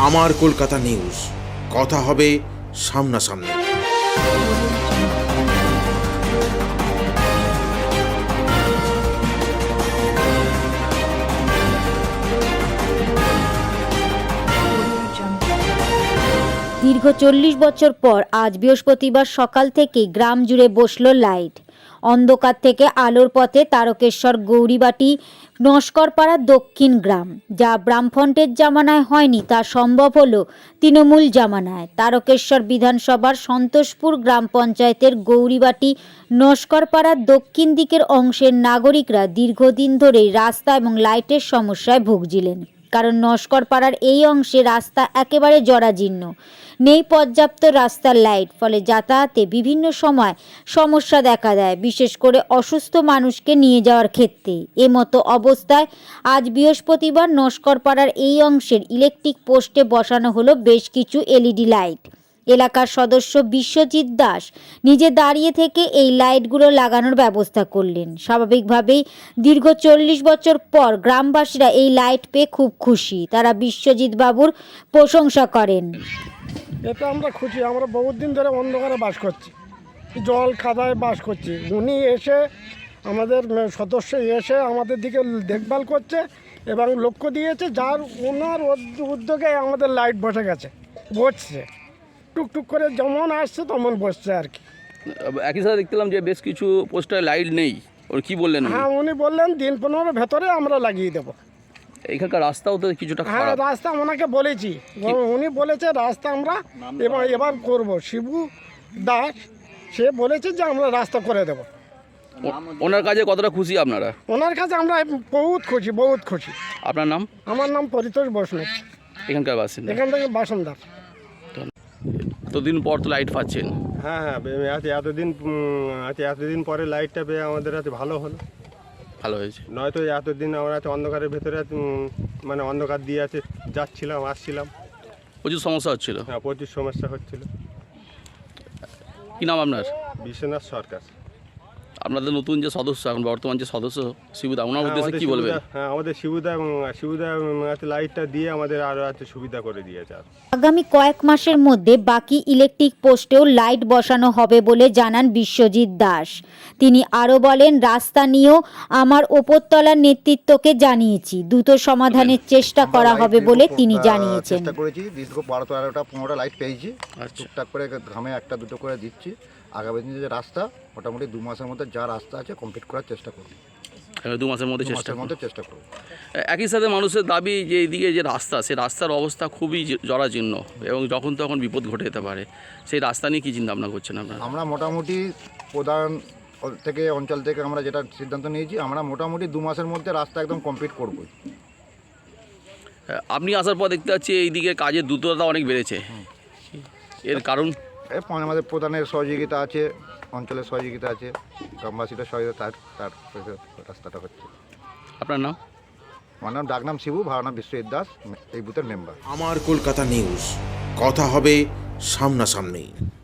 আমার কলকাতা নিউজ, কথা হবে সামনাসামনি। দীর্ঘ 40 বছর পর আজ বৃহস্পতিবার সকাল থেকেই গ্রাম জুড়ে বসল লাইট। অন্ধকার থেকে আলোর পথে তারকেশ্বর গৌরীবাটি নস্করপাড়া দক্ষিণ গ্রাম। যা বামফ্রন্টের জামানায় হয়নি তা সম্ভব হলো তৃণমূল জামানায়। তারকেশ্বর বিধানসভার সন্তোষপুর গ্রাম পঞ্চায়েতের গৌরীবাটি নস্করপাড়ার দক্ষিণ দিকের অংশের নাগরিকরা দীর্ঘদিন ধরেই রাস্তা এবং লাইটের সমস্যায় ভুগছিলেন। কারণ নস্করপাড়ার এই অংশে রাস্তা একেবারে জরাজীর্ণ, নেই পর্যাপ্ত রাস্তার লাইট, ফলে যাতায়াতে বিভিন্ন সময় সমস্যা দেখা দেয়, বিশেষ করে অসুস্থ মানুষকে নিয়ে যাওয়ার ক্ষেত্রে। এমতো অবস্থায় আজ বৃহস্পতিবার নস্করপাড়ার এই অংশের ইলেকট্রিক পোস্টে বসানো হলো বেশ কিছু এলইডি লাইট। এলাকার সদস্য বিশ্বজিৎ দাস নিজে দাঁড়িয়ে থেকে এই লাইটগুলো লাগানোর ব্যবস্থা করলেন। স্বাভাবিকভাবেই দীর্ঘ 40 বছর পর গ্রামবাসীরা এই লাইট পেয়ে খুব খুশি। তারা বিশ্বজিৎ বাবুর প্রশংসা করেন। এতে আমরা খুশি। আমরা বহুত দিন ধরে অন্ধকারে বাস করছি, জল খাদায় বাস করছি। উনি এসে আমাদের সদস্য এসে আমাদের দিকে দেখভাল করছে এবং লক্ষ্য দিয়েছে, যার ওনার উদ্যোগে আমাদের লাইট বসে গেছে, বসছে টুকটুক করে, যেমন আসছে তেমন বসছে আর কি। একই সাথে দেখলাম যে বেশ কিছু পোস্টারে লাইট নেই, ওর কি বললেন? হ্যাঁ, উনি বললেন দিন 15 ভেতরে আমরা লাগিয়ে দেবো। এখানকার রাস্তাও তো কিছুটা হ্যাঁ, খারাপ। রাস্তা ওনাকে বলেছি, উনি বলেছে রাস্তা আমরা এবার করব। শিবু দাস সে বলেছে যে আমরা রাস্তা করে দেব। ওনার কাজে কতটা খুশি আপনারা? ওনার কাছে আমরা বহুত খুশি, বহুত খুশি। আপনার নাম? আমার নাম পরিতোষ বৈষ্ণব, এখানকার বাসিন্দা? এখান থেকে বাসিন্দা। এতদিন পর তো লাইট পাচ্ছেন। হ্যাঁ, এতদিন পরে লাইটটা পেয়ে আমাদের হাতে ভালো হলো, ভালো হয়েছে। নয়তো এতদিন আমরা অন্ধকারের ভেতরে মানে অন্ধকার দিয়ে যাচ্ছিলাম আসছিলাম, প্রচুর সমস্যা হচ্ছিল। হ্যাঁ, প্রচুর সমস্যা হচ্ছিল। কি নাম আপনার? বিশ্বনাথ সরকার। আপনাদের নতুন যে সদস্য, এখন বর্তমান যে সদস্য শিবুদা, ওনার উদ্দেশ্যে কি বলবেন? হ্যাঁ, আমাদের শিবুদা লাইটটা দিয়ে আমাদের আরও সুবিধা করে দিয়েছে। আগামী কয়েক মাসের মধ্যে বাকি ইলেকট্রিক পোস্টেও লাইট বসানো হবে বলে জানান বিশ্বজিৎ দাস। তিনি আরও বলেন, রাস্তা নিয়েও আমার ওপরতলার নেতৃত্বকে জানিয়েছি, দ্রুত সমাধানের চেষ্টা করা হবে বলে তিনি জানিয়েছেন। চেষ্টা করেছি, দীর্ঘ 12-13টা লাইট পেয়েছি, টুকটাক করে ঘামে একটা দুটো করে দিচ্ছি। আগামী দিনে যে রাস্তা মোটামুটি 2 মাসের মধ্যে যা রাস্তা আছে কমপ্লিট করার চেষ্টা করব। 2 মাসের মধ্যে চেষ্টা করব। একই সাথে মানুষের দাবি যে এইদিকে যে রাস্তা, সেই রাস্তার অবস্থা খুবই জরাজীর্ণ এবং যখন তখন বিপদ ঘটে যেতে পারে। সেই রাস্তা নিয়ে কী চিন্তা ভাবনা করছেন আপনারা? আমরা মোটামুটি প্রধান থেকে অঞ্চল থেকে আমরা যেটা সিদ্ধান্ত নিয়েছি, আমরা মোটামুটি 2 মাসের মধ্যে রাস্তা একদম কমপ্লিট করবই। আপনি আসার পর দেখতে পাচ্ছি এইদিকে কাজের দ্রুততা অনেক বেড়েছে, এর কারণ? আমাদের প্রধানের সহযোগিতা আছে, অঞ্চলের সহযোগিতা আছে, গ্রামবাসীদের সহযোগিতা, তার রাস্তাটা হচ্ছে। আপনার নাম? আমার নাম ডাকনাম শিবু, ভাড়া নাম বিশ্বজিৎ দাস, এই বুথের মেম্বার। আমার কলকাতা নিউজ, কথা হবে সামনাসামনি।